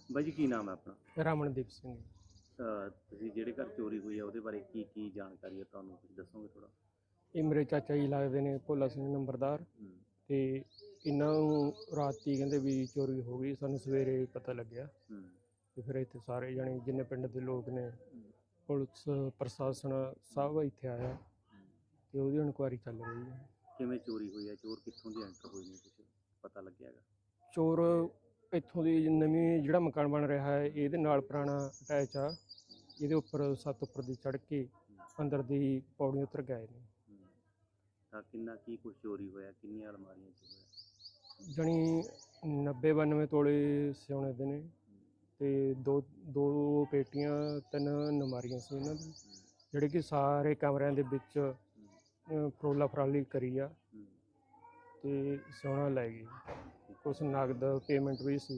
ਬਾਈ ਜੀ ਕੀ ਨਾਮ ਹੈ ਆਪਣਾ? ਰਮਨਦੀਪ ਸਿੰਘ। ਤੁਸੀਂ ਜਿਹੜੇ ਘਰ ਚੋਰੀ ਹੋਈ ਆ ਉਹਦੇ ਬਾਰੇ ਕੀ ਜਾਣਕਾਰੀ ਹੈ ਤੁਹਾਨੂੰ, ਕੁਝ ਦੱਸੋਗੇ ਥੋੜਾ? ਇਹ ਮੇਰੇ ਚਾਚਾ ਜੀ ਲੱਗਦੇ ਨੇ, ਭੋਲਾ ਸਿੰਘ ਨੰਬਰਦਾਰ। ਹੂੰ। ਤੇ ਇਹਨਾਂ ਨੂੰ ਰਾਤੀ ਕਹਿੰਦੇ ਵੀ ਚੋਰੀ ਹੋ ਗਈ, ਸਾਨੂੰ ਸਵੇਰੇ ਪਤਾ ਲੱਗਿਆ। ਹੂੰ। ਤੇ ਫਿਰ ਇੱਥੇ ਸਾਰੇ ਜਣੇ ਜਿੰਨੇ ਪਿੰਡ ਦੇ ਲੋਕ ਨੇ, ਹੂੰ। ਪੁਲਿਸ ਪ੍ਰਸ਼ਾਸਨ ਸਭ ਇੱਥੇ ਆਇਆ ਹੂੰ। ਤੇ ਉਹਦੀ ਇਨਕੁਆਇਰੀ ਚੱਲ ਰਹੀ ਹੈ। ਕਿਵੇਂ ਚੋਰੀ ਹੋਈ ਹੈ? ਚੋਰ ਕਿੱਥੋਂ ਦੀ ਐਂਟਰ ਹੋਏ ਨੇ, ਕੁਝ ਪਤਾ ਲੱਗਿਆ ਹੈਗਾ? ਚੋਰ ਇੱਥੋਂ ਦੀ ਨਵੀਂ ਜਿਹੜਾ ਮਕਾਨ ਬਣ ਰਿਹਾ ਹੈ ਇਹਦੇ ਨਾਲ ਪੁਰਾਣਾ ਅਟੈਚ ਆ, ਇਹਦੇ ਉੱਪਰ ਛੱਤ ਉੱਪਰ ਦੀ ਚੜ੍ਹ ਕੇ ਅੰਦਰ ਦੀ ਪੌੜੀ ਉਤਰ ਗਏ ਨੇ। ਤਾਂ ਕਿੰਨਾ ਕੀ ਕੁਝ ਚੋਰੀ ਹੋਇਆ, ਕਿੰਨੀਆਂ ਅਲਮਾਰੀਆਂ 'ਚ ਹੋਇਆ? ਜਣੀ 90-92 ਤੋਲੇ ਸੋਨੇ ਦੇ ਨੇ ਤੇ ਦੋ ਪੇਟੀਆਂ, 3 ਨਮਾਰੀਆਂ ਸੀ ਇਹਨਾਂ ਦੀ, ਜਿਹੜੇ ਕਿ ਸਾਰੇ ਕਮਰਿਆਂ ਦੇ ਵਿੱਚ ਫਰੋਲਾ ਫਰਾਲੀ ਕਰੀ ਆ ਤੇ ਸੋਨਾ ਲੈ ਗਈ। ਕੁਛ ਨਗਦ ਪੇਮੈਂਟ ਵੀ ਸੀ,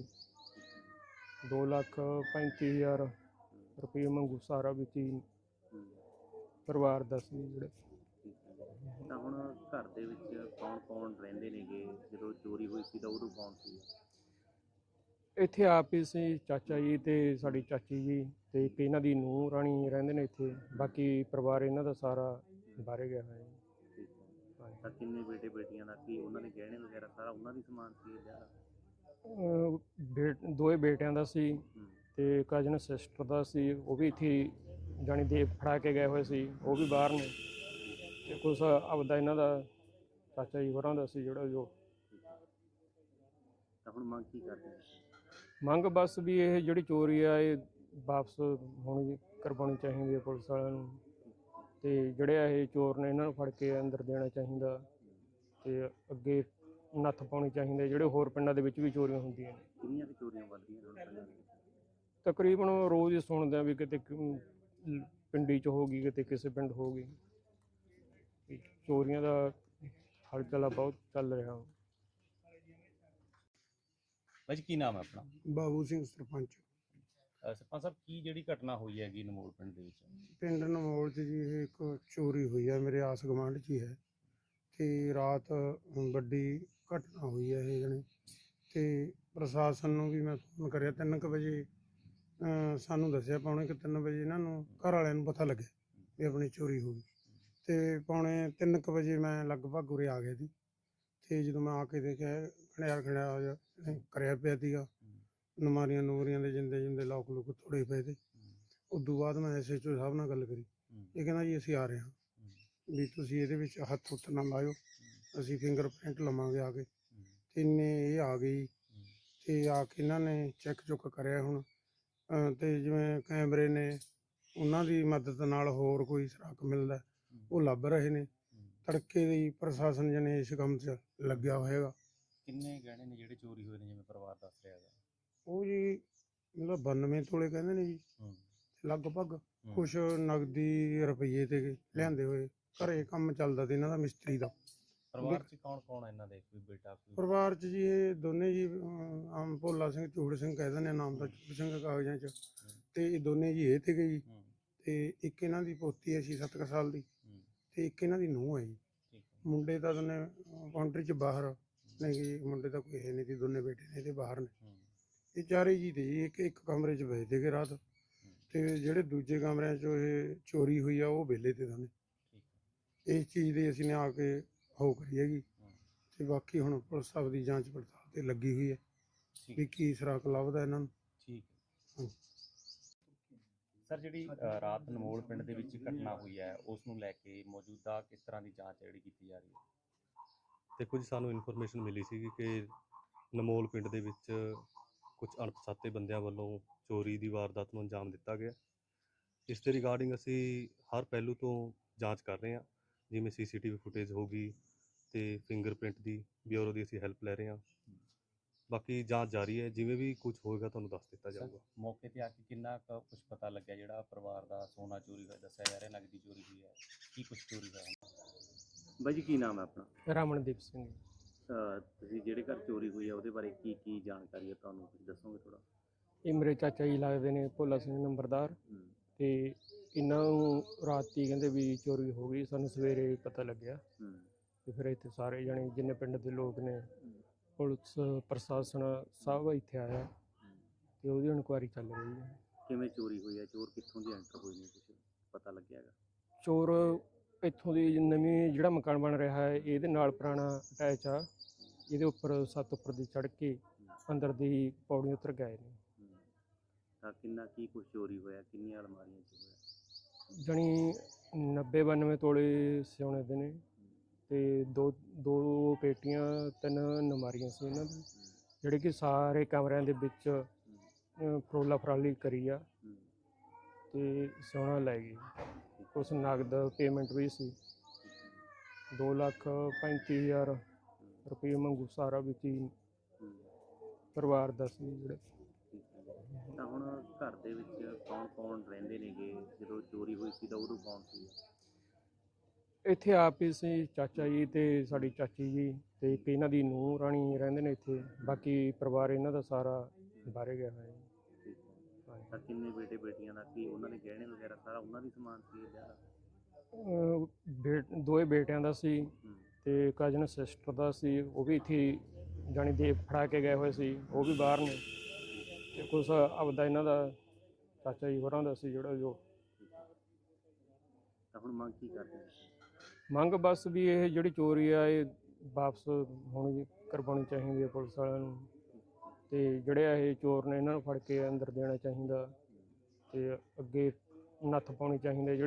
2,35,000 ਰੁਪਏ ਮੰਗੂ ਸਾਰਾ ਵਿੱਚ ਹੀ ਪਰਿਵਾਰ ਦਾ ਸੀ ਜਿਹੜੇ। ਤਾਂ ਹੁਣ ਘਰ ਦੇ ਵਿੱਚ ਕੌਣ ਰਹਿੰਦੇ ਨੇਗੇ? ਜਦੋਂ ਚੋਰੀ ਹੋਈ ਸੀ ਤਾਂ ਉਦੋਂ ਕੌਣ ਸੀ? ਇੱਥੇ ਆਪ ਹੀ ਸੀ, ਚਾਚਾ ਜੀ ਤੇ ਸਾਡੀ ਚਾਚੀ ਜੀ ਤੇ ਇੱਕ ਇਹਨਾਂ ਦੀ ਨੂੰਹ ਰਾਣੀ ਰਹਿੰਦੇ ਨੇ ਇੱਥੇ। ਬਾਕੀ ਪਰਿਵਾਰ ਇਹਨਾਂ ਦਾ ਸਾਰਾ ਬਾਹਰ ਗਿਆ ਹੋਇਆ ਹੈ। ਤਾਂ ਕਿੰਨੇ ਬੇਟੇ ਬੇਟੀਆਂ ਦਾ, ਕੀ ਉਹਨਾਂ ਦੇ ਗਹਿਣੇ ਵਗੈਰਾ ਸਾਰਾ ਉਹਨਾਂ ਦੀ ਸਮਾਨ ਸੀ ਜਾਂ? ਦੋਏ ਬੇਟਿਆਂ ਦਾ ਸੀ ਤੇ ਕਜ਼ਨ ਸਿਸਟਰ ਦਾ ਸੀ, ਉਹ ਵੀ ਇੱਥੇ ਜਾਣੀ ਦੇ ਫੜਾ ਕੇ ਗਏ ਹੋਏ ਸੀ, ਉਹ ਵੀ ਬਾਹਰ ਨੇ। ਤੇ ਕੁਛ ਆਪਦਾ ਇਹਨਾਂ ਦਾ ਚਾਚਾ ਜੀ ਹੋਰਾਂ ਦਾ ਸੀ ਜਿਹੜਾ ਜੋ। ਤਾਂ ਹੁਣ ਮੰਗ ਕੀ ਕਰਦੇ ਨੇ? ਮੰਗ ਬਸ ਵੀ ਇਹ ਜਿਹੜੀ ਚੋਰੀ ਆ ਇਹ ਵਾਪਸ ਹੋਣੀ ਕਰਵਾਉਣੀ ਚਾਹੀਦੀ ਹੈ ਪੁਲਿਸ ਵਾਲਿਆਂ ਨੂੰ, ਤੇ ਜਿਹੜੇ ਇਹ ਚੋਰ ਨੇ ਇਹਨਾਂ ਨੂੰ ਫੜ ਕੇ ਅੰਦਰ ਦੇਣਾ ਚਾਹੀਦਾ ਤੇ ਅੱਗੇ ਨੱਥ ਪਾਉਣੀ ਚਾਹੀਦੀ। ਜਿਹੜੇ ਹੋਰ ਪਿੰਡਾਂ ਦੇ ਵਿੱਚ ਵੀ ਚੋਰੀਆਂ ਹੁੰਦੀਆਂ ਨੇ। ਕਿੰਨੀਆਂ ਕੁ ਚੋਰੀਆਂ ਵੱਧਦੀਆਂ ਨੇ ਪਿੰਡਾਂ ਦੇ ਵਿੱਚ? ਤਕਰੀਬਨ ਰੋਜ਼ ਹੀ ਸੁਣਦੇ ਆ ਵੀ ਕਿਤੇ ਪਿੰਡੀ 'ਚ ਹੋ ਗਈ, ਕਿਤੇ ਕਿਸੇ ਪਿੰਡ ਹੋ ਗਈ। ਚੋਰੀਆਂ ਦਾ ਹਲਚਲ ਬਹੁਤ ਚੱਲ ਰਿਹਾ। ਭਾਜੀ ਕੀ ਨਾਮ ਹੈ ਆਪਣਾ? ਬਾਬੂ ਸਿੰਘ ਸਰਪੰਚ। ਸਰਪੰਚ ਸਾਹਿਬ, ਕੀ ਜਿਹੜੀ ਘਟਨਾ ਹੋਈ ਹੈਗੀ ਨਮੋਲ ਪਿੰਡ ਦੇ ਵਿੱਚ? ਪਿੰਡ ਨਮੋਲ 'ਚ ਜੀ ਇਹ ਇੱਕ ਚੋਰੀ ਹੋਈ ਹੈ, ਮੇਰੇ ਆਸ ਗੁਆਂਢ 'ਚ ਹੀ ਹੈ। ਤੇ ਰਾਤ ਵੱਡੀ ਘਟਨਾ ਹੋਈ ਹੈ ਇਹ ਜਣੇ, ਤੇ ਪ੍ਰਸ਼ਾਸਨ ਨੂੰ ਵੀ ਮੈਂ ਫੋਨ ਕਰਿਆ 3 ਵਜੇ। ਸਾਨੂੰ ਦੱਸਿਆ 2:45 ਵਜੇ ਇਹਨਾਂ ਨੂੰ ਘਰ ਵਾਲਿਆਂ ਨੂੰ ਪਤਾ ਲੱਗਿਆ ਵੀ ਆਪਣੀ ਚੋਰੀ ਹੋ ਗਈ। ਤੇ 2:45 ਵਜੇ ਮੈਂ ਲਗਭਗ ਉਰੇ ਆ ਗਿਆ ਸੀ। ਤੇ ਜਦੋਂ ਮੈਂ ਆ ਕੇ ਦੇਖਿਆ ਖੜਿਆ ਕਰਿਆ ਪਿਆ ਸੀਗਾ, ਨਮਾਰੀਆਂ ਨੂਰੀਆਂ ਦੇ ਜਿੰਦੇ ਲੋਕ ਤੋੜੇ ਪਏ ਤੇ। ਉਦੋਂ ਬਾਅਦ ਮੈਂ SHO ਸਾਹਿਬ ਨਾਲ ਗੱਲ ਕਰੀ, ਇਹ ਕਹਿੰਦਾ ਜੀ ਅਸੀਂ ਆ ਰਹੇ ਹਾਂ, ਵੀ ਤੁਸੀਂ ਇਹਦੇ ਵਿੱਚ ਹੱਥ ਹੁੱਥ ਨਾ ਲਾਇਓ, ਅਸੀਂ ਫਿੰਗਰਪ੍ਰਿੰਟ ਲਵਾਂਗੇ ਆ ਕੇ। ਤੇ ਇਹ ਆ ਗਈ ਤੇ ਆ ਕੇ ਇਹਨਾਂ ਨੇ ਚੈੱਕ ਚੁੱਕ ਕਰਿਆ ਹੁਣ, ਤੇ ਜਿਵੇਂ ਕੈਮਰੇ ਨੇ ਉਹਨਾਂ ਦੀ ਮਦਦ ਨਾਲ ਹੋਰ ਕੋਈ ਸੁਰਾਖ ਮਿਲਦਾ ਉਹ ਲੱਭ ਰਹੇ ਨੇ। ਤੜਕੇ ਦੀ ਪ੍ਰਸ਼ਾਸਨ ਜਨੇ ਇਸ ਕੰਮ 'ਚ ਲੱਗਿਆ ਹੋਏਗਾ। ਕਿੰਨੇ ਗਹਿਣੇ ਨੇ ਜਿਹੜੇ ਚੋਰੀ ਹੋਏ ਨੇ, ਜਿਵੇਂ ਪਰਿਵਾਰ ਦੱਸ ਰਿਹਾ ਹੈਗਾ? ਉਹ ਜੀ ਮਤਲਬ 92 ਤੋਲੇ ਕਹਿੰਦੇ ਨੇ ਜੀ ਲਗਭਗ। ਕੁਛ ਨਗਦੀ ਰੁਪਈਏ ਤੇ ਲਿਆਂਦੇ ਹੋਏ, ਘਰੇ ਕੰਮ ਚੱਲਦਾ ਤੇ ਇਹਨਾਂ ਦਾ ਮਿਸਤਰੀ ਦਾ। ਪਰਿਵਾਰ 'ਚ ਕੌਣ ਹੈ ਇਹਨਾਂ ਦੇ? ਕੋਈ ਬੇਟਾ ਕੋਈ? ਪਰਿਵਾਰ 'ਚ ਜੀ ਇਹ ਦੋਨੇ ਜੀ, ਆਮ ਭੋਲਾ ਸਿੰਘ ਚੂੜ ਸਿੰਘ ਕਹਿ ਦਿੰਦੇ ਨਾਮ ਦਾ, ਚੂੜ ਸਿੰਘ ਕਾਗਜ਼ਾਂ 'ਚ। ਤੇ ਇਹ ਦੋਨੇ ਜੀ ਇਹ ਤੇ ਗਈ, ਤੇ ਇੱਕ ਇਹਨਾਂ ਦੀ ਪੋਤੀ ਹੈ 6-7 ਸਾਲ ਦੀ, ਤੇ ਇੱਕ ਇਹਨਾਂ ਦੀ ਨੂੰਹ ਹੈ ਜੀ। ਮੁੰਡੇ ਤਾਂ ਦੋਨੇ ਕਾਉਂਟਰੀ 'ਚ ਬਾਹਰ ਨੇ ਜੀ, ਮੁੰਡੇ ਤਾਂ ਕੋਈ ਹੈ ਨਹੀਂ ਸੀ, ਦੋਨੇ ਬੇਟੇ ਨੇ ਤੇ ਬਾਹਰ ਨੇ। ਇਹ ਚਾਰੇ ਜੀ ਤੇ ਜੀ ਇੱਕ ਕਮਰੇ 'ਚ ਬੈਠ ਸੀਗੇ ਰਾਤ, ਤੇ ਜਿਹੜੇ ਦੂਜੇ ਕਮਰਿਆਂ 'ਚ ਇਹ ਚੋਰੀ ਹੋਈ ਆ ਉਹ ਵਿਹਲੇ ਤੇ ਦੋਨੇ। ਇਸ ਚੀਜ਼ ਦੀ ਅਸੀਂ ਨੇ ਆ ਕੇ ਹੋ ਕਰੀ ਹੈਗੀ, ਤੇ ਬਾਕੀ ਹੁਣ ਪੁਲਿਸ ਸਾਹਿਬ ਦੀ ਜਾਂਚ ਪੜਤਾਲ ਤੇ ਲੱਗੀ ਹੋਈ ਹੈ ਵੀ ਕੀ ਸੁਰਾਖ ਲੱਭਦਾ ਇਹਨਾਂ ਨੂੰ। ਠੀਕ ਹੈ ਸਰ, ਜਿਹੜੀ ਰਾਤ ਨਮੋਲ ਪਿੰਡ ਦੇ ਵਿੱਚ ਘਟਨਾ ਹੋਈ ਹੈ ਉਸ ਨੂੰ ਲੈ ਕੇ ਮੌਜੂਦਾ ਕਿਸ ਤਰ੍ਹਾਂ ਦੀ ਜਾਂਚ ਜਿਹੜੀ ਕੀਤੀ ਜਾ ਰਹੀ ਹੈ? ਦੇਖੋ ਜੀ, ਸਾਨੂੰ ਇਨਫੋਰਮੇਸ਼ਨ ਮਿਲੀ ਸੀ ਕਿ ਨਮੋਲ ਪਿੰਡ ਦੇ ਵਿੱਚ ਕੁਝ ਅਣਪਛਾਤੇ ਬੰਦਿਆਂ ਵੱਲੋਂ ਚੋਰੀ ਦੀ ਵਾਰਦਾਤ ਨੂੰ ਅੰਜਾਮ ਦਿੱਤਾ ਗਿਆ। ਇਸ ਦੇ ਰਿਗਾਰਡਿੰਗ ਅਸੀਂ ਹਰ ਪਹਿਲੂ ਤੋਂ ਜਾਂਚ ਕਰ ਰਹੇ ਹਾਂ, ਜਿਵੇਂ CCTV ਫੁਟੇਜ ਹੋ ਗਈ ਤੇ ਫਿੰਗਰਪ੍ਰਿੰਟ ਦੀ ਬਿਊਰੋ ਦੀ ਅਸੀਂ ਹੈਲਪ ਲੈ ਰਹੇ ਹਾਂ। ਬਾਕੀ ਜਾਂਚ ਜਾਰੀ ਹੈ, ਜਿਵੇਂ ਵੀ ਕੁਝ ਹੋਏਗਾ ਤੁਹਾਨੂੰ ਦੱਸ ਦਿੱਤਾ ਜਾਊਗਾ। ਮੌਕੇ ਤੇ ਆ ਕੇ ਕਿੰਨਾ ਕੁਝ ਪਤਾ ਲੱਗਿਆ? ਜਿਹੜਾ ਪਰਿਵਾਰ ਦਾ ਸੋਨਾ ਚੋਰੀ ਹੋਇਆ ਦੱਸਿਆ ਜਾ ਰਿਹਾ, ਨਗਦੀ ਚੋਰੀ ਹੋਈ ਹੈ, ਕੀ ਕੁਝ ਚੋਰੀ ਹੋਇਆ? ਬਾਈ ਜੀ ਕੀ ਨਾਮ ਹੈ ਆਪਣਾ? ਰਮਨਦੀਪ ਸਿੰਘ। ਤੁਸੀਂ ਜਿਹੜੇ ਘਰ ਚੋਰੀ ਹੋਈ ਹੈ ਉਹਦੇ ਬਾਰੇ ਕੀ ਜਾਣਕਾਰੀ ਹੈ ਤੁਹਾਨੂੰ, ਕੁਝ ਦੱਸੋਗੇ ਥੋੜਾ? ਇਹ ਮੇਰੇ ਚਾਚਾ ਜੀ ਲੱਗਦੇ ਨੇ, ਭੋਲਾ ਸਿੰਘ ਨੰਬਰਦਾਰ। ਤੇ ਇਹਨਾਂ ਨੂੰ ਰਾਤੀ ਕਹਿੰਦੇ ਵੀ ਚੋਰੀ ਹੋ ਗਈ, ਸਾਨੂੰ ਸਵੇਰੇ ਪਤਾ ਲੱਗਿਆ। ਤੇ ਫਿਰ ਇੱਥੇ ਸਾਰੇ ਜਣੇ ਜਿੰਨੇ ਪਿੰਡ ਦੇ ਲੋਕ ਨੇ, ਪੁਲਿਸ ਪ੍ਰਸ਼ਾਸਨ ਸਭ ਇੱਥੇ ਆਇਆ ਤੇ ਉਹਦੀ ਇਨਕੁਆਇਰੀ ਚੱਲ ਰਹੀ ਹੈ। ਕਿਵੇਂ ਚੋਰੀ ਹੋਈ ਹੈ, ਚੋਰ ਕਿੱਥੋਂ ਦੀ ਐਂਟਰ ਹੋਏ ਨੇ, ਕੁਝ ਪਤਾ ਲੱਗਿਆ ਹੈਗਾ? ਚੋਰ ਇੱਥੋਂ ਦੀ ਨਵੀਂ ਜਿਹੜਾ ਮਕਾਨ ਬਣ ਰਿਹਾ ਹੈ ਇਹਦੇ ਨਾਲ ਪੁਰਾਣਾ ਅਟੈਚ ਆ, ਇਹਦੇ ਉੱਪਰ ਛੱਤ ਉੱਪਰ ਦੀ ਚੜ੍ਹ ਕੇ ਅੰਦਰ ਦੀ ਪੌੜੀ ਉਤਰ ਗਏ ਨੇ। ਤਾਂ ਕਿੰਨਾ ਕੀ ਕੁਝ ਚੋਰੀ ਹੋਇਆ, ਕਿੰਨੀਆਂ ਅਲਮਾਰੀਆਂ 'ਚ ਹੋਇਆ? ਜਣੀ 90-92 ਤੋਲੇ ਸੋਨੇ ਦੇ ਨੇ ਤੇ ਦੋ ਪੇਟੀਆਂ, 3 ਨਮਾਰੀਆਂ ਸੀ ਇਹਨਾਂ ਦੀ, ਜਿਹੜੇ ਕਿ ਸਾਰੇ ਕਮਰਿਆਂ ਦੇ ਵਿੱਚ ਫਰੋਲਾ ਫਰਾਲੀ ਕਰੀ ਆ ਤੇ ਸੋਨਾ ਲੈ ਗਏ। ਕੁਛ ਨਗਦ ਪੇਮੈਂਟ ਵੀ ਸੀ, 2,35,000 ਰੁਪਏ ਮੰਗੂ ਸਾਰਾ ਵਿੱਚ ਹੀ ਪਰਿਵਾਰ ਦਾ ਸੀ ਜਿਹੜੇ। ਤਾਂ ਹੁਣ ਘਰ ਦੇ ਵਿੱਚ ਕੌਣ ਕੌਣ ਰਹਿੰਦੇ ਨੇਗੇ? ਜਦੋਂ ਚੋਰੀ ਹੋਈ ਸੀ ਤਾਂ ਉਦੋਂ ਕੌਣ ਸੀ? ਇੱਥੇ ਆਪ ਹੀ ਸੀ, ਚਾਚਾ ਜੀ ਤੇ ਸਾਡੀ ਚਾਚੀ ਜੀ ਤੇ ਇੱਕ ਇਹਨਾਂ ਦੀ ਨੂੰਹ ਰਾਣੀ ਰਹਿੰਦੇ ਨੇ ਇੱਥੇ, ਬਾਕੀ ਪਰਿਵਾਰ ਇਹਨਾਂ ਦਾ ਸਾਰਾ ਬਾਹਰੇ ਗਿਆ ਹੋਇਆ ਹੈ। ਤਾਂ ਕਿੰਨੇ ਬੇਟੇ ਬੇਟੀਆਂ ਦਾ ਕੀ, ਉਹਨਾਂ ਦੇ ਗਹਿਣੇ ਵਗੈਰਾ ਸਾਰਾ ਉਹਨਾਂ ਦੀ ਸਮਾਨ ਸੀ ਇਹਦਾ? ਦੋਏ ਬੇਟਿਆਂ ਦਾ ਸੀ ਤੇ ਕਜ਼ਨ ਸਿਸਟਰ ਦਾ ਸੀ, ਉਹ ਵੀ ਇੱਥੇ ਜਾਣੀ ਦੇ ਫੜਾ ਕੇ ਗਏ ਹੋਏ ਸੀ, ਉਹ ਵੀ ਬਾਹਰ ਨੇ। ਤੇ ਕੁਛ ਆਪਦਾ ਇਹਨਾਂ ਦਾ ਚਾਚਾ ਜੀ ਹੋਰਾਂ ਦਾ ਸੀ ਜਿਹੜਾ ਜੋ। ਤਾਂ ਹੁਣ ਮੰਗ ਕੀ ਕਰਦੇ ਨੇ? ਮੰਗ ਬਸ ਵੀ ਇਹ ਜਿਹੜੀ ਚੋਰੀ ਆ ਇਹ ਵਾਪਸ ਹੋਣੀ ਕਰਵਾਉਣੀ ਚਾਹੀਦੀ ਹੈ ਪੁਲਿਸ ਵਾਲਿਆਂ ਨੂੰ, ਤੇ ਜਿਹੜੇ ਇਹ ਚੋਰ ਨੇ ਇਹਨਾਂ ਨੂੰ ਫੜ ਕੇ ਅੰਦਰ ਦੇਣਾ ਚਾਹੀਦਾ ਤੇ ਅੱਗੇ ਨੱਥ ਪਾਉਣੀ ਚਾਹੀਦੀ ਹੈ।